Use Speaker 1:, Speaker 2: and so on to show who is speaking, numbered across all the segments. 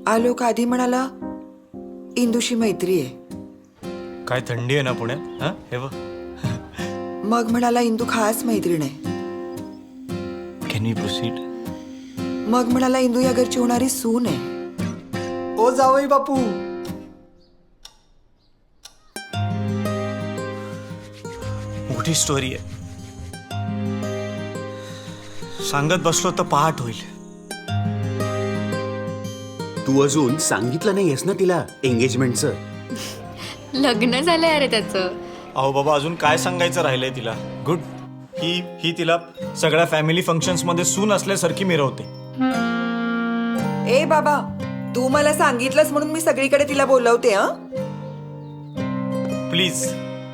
Speaker 1: आलोक आधी म्हणाला इंदूशी मैत्री आहे.
Speaker 2: काय थंडी आहे ना पुण्यात? हा हे बघ.
Speaker 1: मग म्हणाला इंदू खास मैत्रीण आहे.
Speaker 2: Can we proceed?
Speaker 1: मग म्हणाला इंदू या घरची होणारी सून आहे.
Speaker 3: ओ जावई बापू,
Speaker 2: मोठी स्टोरी आहे. सांगत बसलो तर पहाट होईल.
Speaker 4: तू अजून सांगितलं नाहीयेस ना तिला एंगेजमेंटचं?
Speaker 5: लग्न झालंय अरे त्याचं.
Speaker 2: अहो बाबा, अजून काय सांगायचं राहिलंय तिला? गुड. ही तिला सगळ्या फॅमिली फंक्शन्स मध्ये सून असल्यासारखी मिरवते.
Speaker 1: ए बाबा, तू मला सांगितलंस म्हणून मी सगळीकडे तिला बोलवते.
Speaker 2: प्लीज.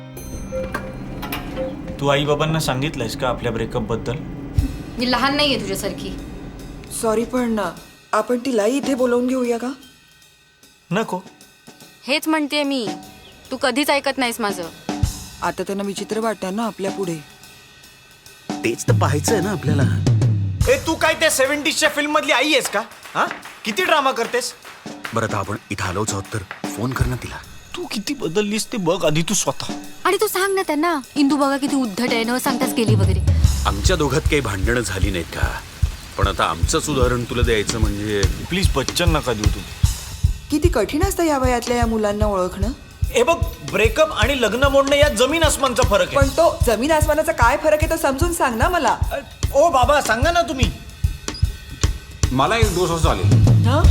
Speaker 2: तू आई बाबांना सांगितलंयस का आपल्या ब्रेकअप बद्दल?
Speaker 5: मी लहान नाहीये तुझ्यासारखी.
Speaker 1: सॉरी, पण आपण तिलाही इथे बोलवून घेऊया का?
Speaker 2: नको.
Speaker 5: हेच म्हणते मी, तू कधीच ऐकत नाहीस माझं.
Speaker 1: आता त्यांना विचित्र वाटतं ना आपल्या पुढे.
Speaker 4: तेच तर पाहायचंय ना आपल्याला.
Speaker 2: ए, तू काय त्या 70sच्या फिल्म मधली आई आहेस का? हा, किती ड्रामा करतेस?
Speaker 4: बरं, आता आपण इथं आलोच आहोत तर फोन कर ना तिला.
Speaker 2: तू किती बदललीस ते बघ आधी तू स्वतः.
Speaker 5: आणि तू सांग ना त्यांना, इंदू बघा किती उद्धट आहे, न सांगताच गेली वगैरे.
Speaker 4: आमच्या दोघात काही भांडणं झाली नाहीत का? पण आता आमचंच उदाहरण तुला द्यायचं म्हणजे.
Speaker 2: प्लीज बच्चन नका देऊ तू.
Speaker 1: किती कठीण असतं या वयातल्या या मुलांना ओळखणं.
Speaker 2: हे बघ, ब्रेकअप आणि लग्न मोडणं यात जमीन आसमानचा फरक आहे.
Speaker 1: पण तो जमीन आसमानाचा काय फरक आहे तो समजून सांग ना मला.
Speaker 2: ओ बाबा, सांगा ना तुम्ही.
Speaker 6: मला एक दोष चालेल.
Speaker 1: हं?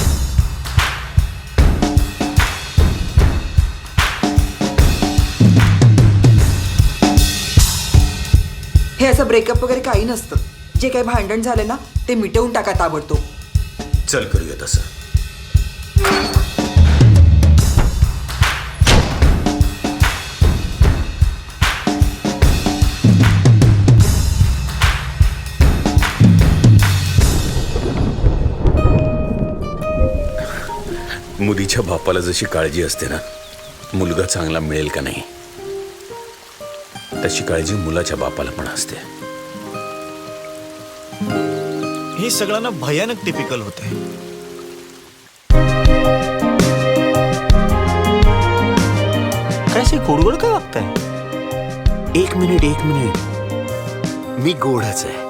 Speaker 1: हे असं ब्रेकअप वगैरे काही नसतं. जे काही भांडण झालं ना ते मिटवून टाका ताबडतोब.
Speaker 4: चल करूया तसं. मुलीच्या बापाला जशी काळजी असते ना मुलगा चांगला मिळेल का नाही, तशी काळजी मुलाच्या बापाला पण असते.
Speaker 2: हे सगळं ना भयानक टिपिकल होतंय. काय गोडगोड का वागताय?
Speaker 4: एक मिनिट, मी गोडच आहे.